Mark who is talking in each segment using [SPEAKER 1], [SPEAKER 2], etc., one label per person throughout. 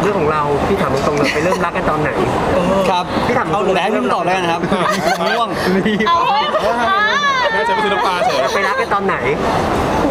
[SPEAKER 1] เรื่องของเราพี่ถามตรงๆเลยไปเริ่มรักกันตอนไหน
[SPEAKER 2] ครับพี่ถามแต่ให้พี่ตอบแล้วกันนะครับง่วง
[SPEAKER 3] เอาอ่า
[SPEAKER 4] แม่จะไปซื้อน้ำปลาเฉย
[SPEAKER 1] ไปรักกันตอนไหน
[SPEAKER 3] โห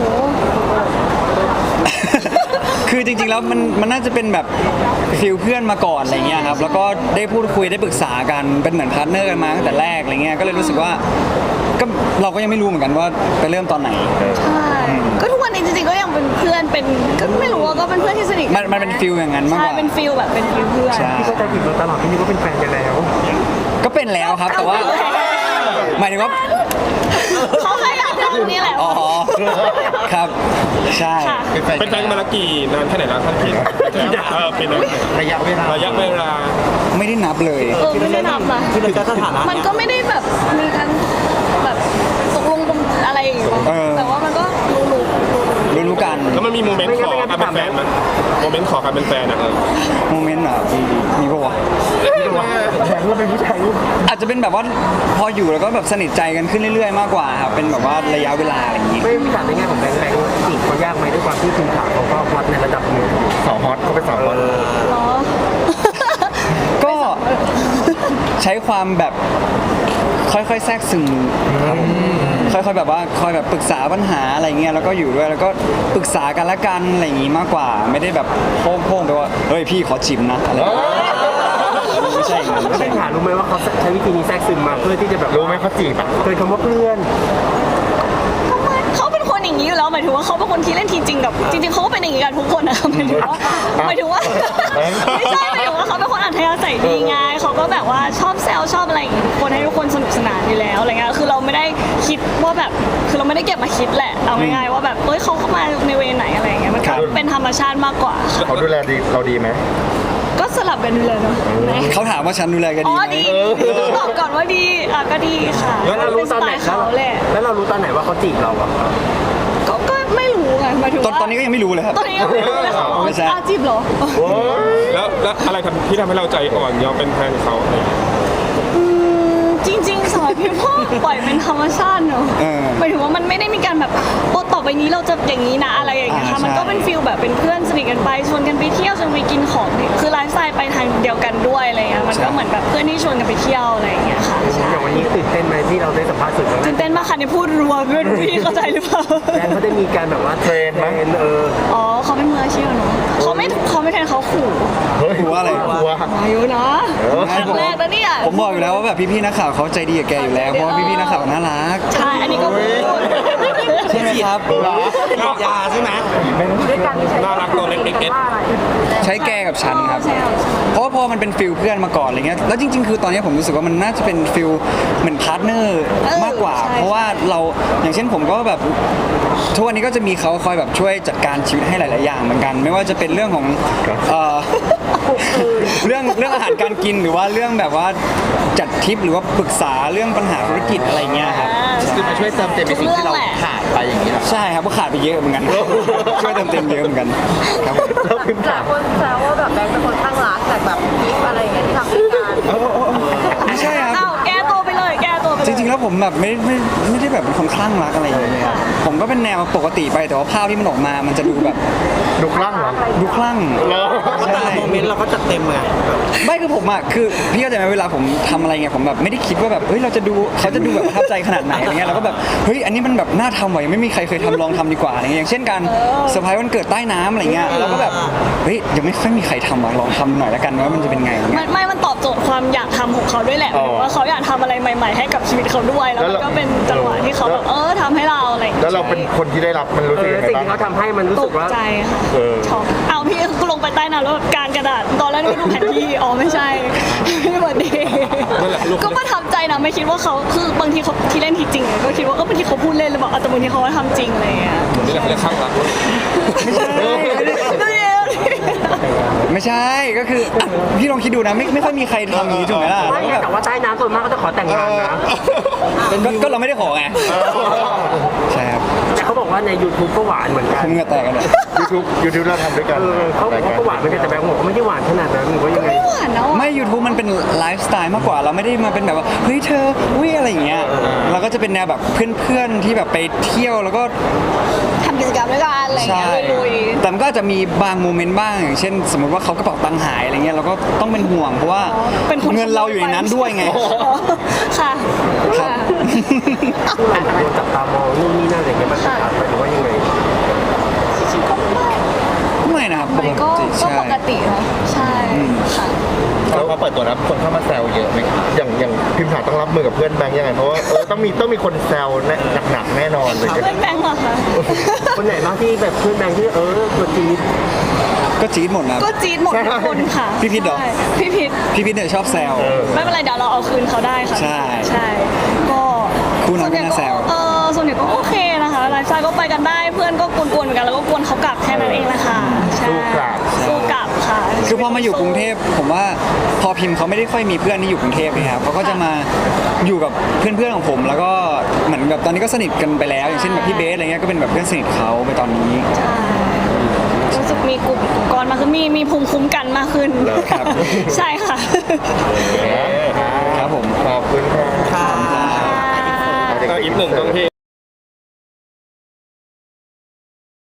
[SPEAKER 2] คือจริงๆแล้วมันน่าจะเป็นแบบฟิลเพื่อนมาก่อนอะไรเงี้ยครับแล้วก็ได้พูดคุยได้ปรึกษากันเป็นเหมือนพาร์ทเนอร์กันมาตั้งแต่แรกอะไรเงี้ยก็เลยรู้สึกว่าก็เราก็ยังไม่รู้เหมือนกันว่าไปเริ่มตอนไหน
[SPEAKER 3] ใช่ก็ทุกวันนี้จริงๆก็ยังเป็นเพื่อนเป็นก็ไม่รู้ว่าก็เป็นเพื่อนที่สนิทกั
[SPEAKER 2] มันเป็นฟิลอย่างนั้นมากก
[SPEAKER 3] ใช่
[SPEAKER 2] ว่า
[SPEAKER 3] เป็นฟิลแบบเป็นฟิลเพื่อน
[SPEAKER 2] ใช่
[SPEAKER 1] พี่เข้าใจผิดมาตลอดพี่นึกว่าเป็นแฟนกันแล้ว
[SPEAKER 2] ก็เป็นแล้วครับแต่ว่าหมายถึงว่า
[SPEAKER 3] เขาแค่อยากทำนี่แหละ
[SPEAKER 2] อ๋อครับใช่
[SPEAKER 3] ค่ะ
[SPEAKER 4] เป็นแฟนกันมาละกี่นานแค่ไหนแล้วท่านพี่เป็นระยะเวลา
[SPEAKER 2] ไม่ได้นับเลย
[SPEAKER 3] ไม่ได้นับนะ
[SPEAKER 1] คือเป็นสถานะ
[SPEAKER 3] มันก็ไม่ได้แบบมีการแบบตกลงกันอะไรอย่างเงี้ยแต่ว่ามันก็
[SPEAKER 2] รู้กัน
[SPEAKER 4] แล้วมันมีโมเมนต์ขอการเป็นแฟนมั้ยโมเมนต์ขอการเป็นแฟนอ่ะ
[SPEAKER 2] โมเมนต์แบบมีปะวะ
[SPEAKER 1] แถมเราเป็นผู้ชาย
[SPEAKER 2] อาจจะเป็นแบบว่าพออยู่แล้วก็แบบสนิทใจกันขึ้นเรื่อยๆมากกว่าครับเป็นแบบว่าระยะเวลาอะไรอย่างงี้
[SPEAKER 1] ไม่พี่ถามในแง่ของแบงค์จีบเขายากไหมด้วยความที่คุณขาเขาก็ฮอตในระดับหนึ่งสาวฮอตเขาเป็นสาวฮอต
[SPEAKER 3] เหรอ
[SPEAKER 2] ก็ใช้ความแบบค่อยๆแทรกซึมครับผมค่อยๆแบบว่าคอยแบบปรึกษาปัญหาอะไรเงี้ยแล้วก็อยู่ด้วยแล้วก็ปรึกษากันละกันอะไรอย่างงี้มากกว่า ไม่ได้แบบโพ่งๆไปว่าเฮ้ยพี่ขอจิมนะอะไรอย่างเงี้ยไม่ใช่อย่างนั้น
[SPEAKER 1] แล้วเป็นถามรู้ไหมว่าเขาใช้วิธีนี้แทรกซึมมาเพื่อที่จะแบบรู้ไหมเขาจีบอ่ะเคยคำว่าเพื่อน
[SPEAKER 3] เขาเป็นคนอย่างนี้อยู่แล้วหมายถึงว่าเขาเป็นคนที่เล่นทีจริงกับจริงๆเขาก็เป็นอย่างนี้กันทุกคนนะหมายถึงว่าไม่ใช่หมายถึงว่าเขาเป็นคนอัธยาศัยดีไงเขาก็แบบว่าชอบแซวชอบอะไรอย่างงี้คนให้ทุกคนสนุกสนานอยู่แล้วอะไรเงี้ยคือเราไม่ได้คิดว่าแบบคือเราไม่ได้เก็บมาคิดแหละเอาง่ายๆว่าแบบเขาเข้ามาในเวไหนอะไรเงี้ยมันก็เป็นธรรมชาติมากกว่าค่ะ
[SPEAKER 5] เขาดูแลดีเราดีไหม
[SPEAKER 3] ก็สลับกันดูเลยเนาะ
[SPEAKER 2] เขาถามว่าฉันดูแลกัน
[SPEAKER 3] อ๋
[SPEAKER 2] ดี
[SPEAKER 3] อ
[SPEAKER 2] ไหม
[SPEAKER 3] ดีต้องตอบก่อนว่าดีก็ดีค่ะ
[SPEAKER 1] แล้วเรารู้ตอนไหน
[SPEAKER 3] เป็สตล์เขาแหละ
[SPEAKER 1] แล้วเรารู้ตอนไหนว่าเขาจีบเราอ่ะ
[SPEAKER 3] ก็ไม่รู้ไงหมายถึงว่า
[SPEAKER 2] ตอนนี้ก็ยังไม่รู้เลยครับ
[SPEAKER 3] ตอนนี้ก็ไม่รู้เลยค่ะ
[SPEAKER 2] ไม่ใช่
[SPEAKER 3] จีบเหรอ
[SPEAKER 4] แล้วอะไรที่ทำให้เราใจอ่อนยอมเป็นแฟนเขาอะไรอย่างเงี้ย
[SPEAKER 3] จริงๆสำหรับพี่พ่อปล่อยเป็นธรรมชาติเนอะ
[SPEAKER 2] เออ
[SPEAKER 3] หมายถึงว่ามันไม่ได้มีการแบบโอ้ต่อไปนี้เราจะอย่างนี้นะอะไรอย่างเงี้ยค่ะ
[SPEAKER 2] ใช่
[SPEAKER 3] มันก็เป็นฟิลแบบเป็นเพื่อนสนิทกันไปชวนกันไปเที่ยวชวนไปกินของคือไลฟ์สไตล์ไปทางเดียวกันด้วยอะไรเงี้ยมันก็เหมือนแบบเพื่อนที่ชวนกันไปเที่ยวอะไรอย่างเงี้ยค่ะใช่
[SPEAKER 1] อย่างวันนี้ตื่นเต้นไหมที่เราได้สัมภาษณ์สื่อครั้งแร
[SPEAKER 3] ตื่
[SPEAKER 1] ก
[SPEAKER 3] นเต้นมากค่ะเนี่ยพูดรัวไม่รู้พี่เข้าใจหรือเปล่า
[SPEAKER 1] แฟนเขาได้มีการแบบว่าเทรนไหม
[SPEAKER 3] อ๋อเขาเป็นมืออาชีพอะเนาะเขาไม่แทนเขาขู่
[SPEAKER 2] รู้ว่าอะไร
[SPEAKER 3] มาอยู่นะครั้งแรกแล้วเนี่ย
[SPEAKER 2] ผมบอกอยู่แล้วว่าแบบพี่ๆนักข่าวเขาใจดีกับแกอยู่แล้วเพราะว่าพี่ๆนักข่าวน่ารัก
[SPEAKER 3] ใช่อันนี้ก็พูด
[SPEAKER 2] ใช่ไหมครับ
[SPEAKER 1] ยาใช่ไหม
[SPEAKER 4] น่ารักตัวเล็กๆ
[SPEAKER 2] ใช้แกกับฉันครับ
[SPEAKER 3] ใช่ค่ะ
[SPEAKER 2] เพราะว่าพอมันเป็นฟิลเพื่อนมาก่อนอะไรเงี้ย แล้วจริงๆ คือตอนนี้ผมรู้สึกว่ามันน่าจะเป็นฟิลเหมือนพาร์ทเนอร์มากกว่า เพราะว่าเราอย่างเช่นผมก็แบบทุกวันนี้ก็จะมีเขาคอยแบบช่วยจัดการชีวิตให้หลายๆอย่างเหมือนกัน ไม่ว่าจะเป็นเรื่องของเรื่องอาหารการกินหรือว่าเรื่องแบบว่าจัดทริปหรือว่าปรึกษาเรื่องปัญหาธุรกิจอะไรเงี้ยครับ
[SPEAKER 5] คือมาช่วยเติมเต็มในสิ่งที่เราขาดไปอย่างนี้หรอ
[SPEAKER 2] ใช่ครับก็ขาดไปเยอะเหมือนกัน ช่วยเติมเต็มเยอะเหมือนกันครับผม
[SPEAKER 6] หลายคนแซวว่าแบบแบงค์เป็นคนข้างรักแต่แบบคลิปอะไรอย่างเงี้ยที่ทำด้วยกัน
[SPEAKER 2] ไม่ใช่ครับ
[SPEAKER 3] อ้าวแก้ตัวไปเลยแก้ตัวไปเลย
[SPEAKER 2] จริงๆ แล้วผมแบบไม่ได้แบบเป็นคนคลั่งรักอะไรอย่างเงี้ยครับผมก็เป็นแนวปกติไปแต่ว่าภาพที่มันออกมา มันจะดูแบบ
[SPEAKER 5] ดูคลั่งเหรอ
[SPEAKER 2] ดูคลั่งใช่
[SPEAKER 1] โมเมนต์เราก็จัดเต็มไง
[SPEAKER 2] ไม่คือผมอ่ะคือพี่เข้าใจไหมเวลาผมทำอะไรเงี้ยผมแบบไม่ได้คิดว่าแบบเฮ้ยเขาจะดูแบบประทับใจขนาดไหนอะไรเงี้ยเราก็แบบเฮ้ยอันนี้มันแบบน่าทำว่ะยังไม่มีใครเคยทำลองทำดีกว่าอะไรเงี้ยอย่างเช่นการเซอร์ไพรส์วันเกิดใต้น้ำอะไรเงี้ยเราก็แบบเฮ้ยยังไม่ค่อยมีใครทำว่ะลองทำหน่อยแล้วกันว่ามันจะเป็นไงอะไรเงี้ย
[SPEAKER 3] มันตอบโจทย์ความอยากทำของเขาด้วยแหละว่าเขาอยากทำอะไรใหม่ ๆ ให้กับชีวิตเขาด้วยแล้วมันก็เป็นจังหวะที่เขาแบบทำให้เราอะไรอย่าง
[SPEAKER 5] แล้
[SPEAKER 3] เงี้
[SPEAKER 5] วย เราเป็นคนที่ได้รับมันรู้สึกยังไง
[SPEAKER 1] สิ่ง
[SPEAKER 5] บ้าง
[SPEAKER 1] ที่เขาทำให้มันรู้
[SPEAKER 3] ต
[SPEAKER 1] สึ
[SPEAKER 3] ก
[SPEAKER 1] กว่า
[SPEAKER 3] ใจค่ะ
[SPEAKER 5] เออ
[SPEAKER 3] ช็อกเอาพี่กูลงไปใต้น้ำแล้วแบบกางกระดาษตอนแรกนึกว่าดูแผนที่อ๋อไม่ใช่ไม่เหมือนดีก็ประทับใจนะไม่คิดว่าเขาคือบางทีเขาที่เล่นทีจริงก็คิดว่าบางทีเขาพูดเล่นหรือเปล่าแต่บางทีเขาทำจริงอะไรอย่างเงี้ย
[SPEAKER 4] นี่เราเรียกข้างรัก
[SPEAKER 2] ไม่ใช่ก็คืออ่ะพี่ลองคิดดูนะไม่ค่อยมีใครทำอย่างนี้ถูกไหมล่ะ
[SPEAKER 1] ไม่
[SPEAKER 2] แล้วแบบ
[SPEAKER 1] แต่ว่าใต้น้ำส่วนมากเขาจะขอแต่งงานนะ
[SPEAKER 2] ก็เราไม่ได้ขอไงใช่ครับ
[SPEAKER 1] แต่เขาบอกว่าใน YouTube ก็หวานเหมือนกัน
[SPEAKER 2] ผมเหงื่อแตกกันเลย
[SPEAKER 5] YouTube เราทำด้วยกัน
[SPEAKER 1] เขาก็หวานเหมือนกันแต่แบงค์บอกว่าไม่ได้หวานขนาดนั้นหรือว่ายังไง
[SPEAKER 3] ไม่หวานเนาะ
[SPEAKER 2] ไม่ YouTube มันเป็นไลฟ์สไตล์มากกว่าเราไม่ได้มาเป็นแบบว่าเฮ้ยเธอวิอะไรอย่างเงี้ยเราก็จะเป็นแนวแบบเพื่อนๆที่แบบไปเที่ยวแล้วก็
[SPEAKER 3] ำกิจกรรมด้วยกันอะไรอย่าง
[SPEAKER 2] ใช่
[SPEAKER 3] เงี้ยลุย
[SPEAKER 2] แต่มันก็อาจจะมีบางโมเมนต์บ้างอย่างเช่น สมมติว่าเขากระเป๋าตังค์หายอะไรเงี้ยเราก็ต้องเป็นห่วงเพราะว่า
[SPEAKER 3] ๆเป็นคน
[SPEAKER 2] เงินเราอยู่ในนั้นด้วยไง
[SPEAKER 3] ค่ะ
[SPEAKER 2] ครับ
[SPEAKER 3] ค่ะ
[SPEAKER 1] โดนจับตามองนู่นนี่นั่นอะไรเงี้ยมันจะขาดไปหรือว่ายังไง
[SPEAKER 2] ไม่นะครับป
[SPEAKER 3] มัน
[SPEAKER 2] ก
[SPEAKER 3] ก็
[SPEAKER 2] ติ
[SPEAKER 3] ก็
[SPEAKER 2] ใช่
[SPEAKER 3] ปกติเนาะใช่ค่ะ
[SPEAKER 5] แล้วพอเปิดตัวแล้วคนเข้ามาแซวเยอะไหมอย่างพิมพ์ถาต้องรับมือกับเพื่อนแบงค์ยังไงเพราะว่าต้องมีคนแซวหนักๆแน่นอนเลย
[SPEAKER 3] เพื่อนแบงค์เหรอคะ
[SPEAKER 1] คนไหนบ้างที่แบบเพื่อนแบงค์ที่ตัวจี๊ด
[SPEAKER 2] ก็จี๊ดหมดนะ
[SPEAKER 3] ก็จี๊ดหมดทุกคนค่ะ
[SPEAKER 2] พี่พิษเหรอ
[SPEAKER 3] ใช่พี่พิษ
[SPEAKER 2] พี่พิทเนี่ยชอบแซว
[SPEAKER 3] ไม่เป็นไรเดี๋ยวเราเอาคืนเขาได้ค่ะ
[SPEAKER 2] ใช่
[SPEAKER 3] ใช่ก็
[SPEAKER 2] คู่นั้น
[SPEAKER 3] ส่วนใหญ่
[SPEAKER 2] ก็น่าแซว
[SPEAKER 3] ส่วนใหญ่ก็โอเคนะคะไลฟ์สไตล์ก็ไปกันได้เพื่อนก็กวนๆเหมือนกันแล้วก็กวนเขากลับแค่นั้นเองแหละค่ะใช่
[SPEAKER 5] สู้กลับ
[SPEAKER 3] สู้กลับค่ะ
[SPEAKER 2] คือพอมาอยู่กรุงเทพผมว่าพอพิมพ์เขาไม่ได้ค่อยมีเพื่อนที่อยู่กรุงเทพนะครับเขาก็จะมาอยู่กับเพื่อนๆของผม แล้วก็เหมือนแบบตอนนี้ก็สนิทกันไปแล้ว อย่างเช่นแบบพี่เบสอะไรเงี้ยก็เป็นแบบเพื่อนสนิทเขาไปตอนนี้
[SPEAKER 3] ใช่รู้สึกมีกลุ่มก้อนมากขึ้นมีภูมิคุ้มกันมากขึ้น
[SPEAKER 2] ครับ
[SPEAKER 3] ใช่ค่ะ
[SPEAKER 2] ครับผม
[SPEAKER 5] ขอบคุณครับ
[SPEAKER 2] ขอบคุณครับ
[SPEAKER 4] ก็อีกหนึ่งตรงที่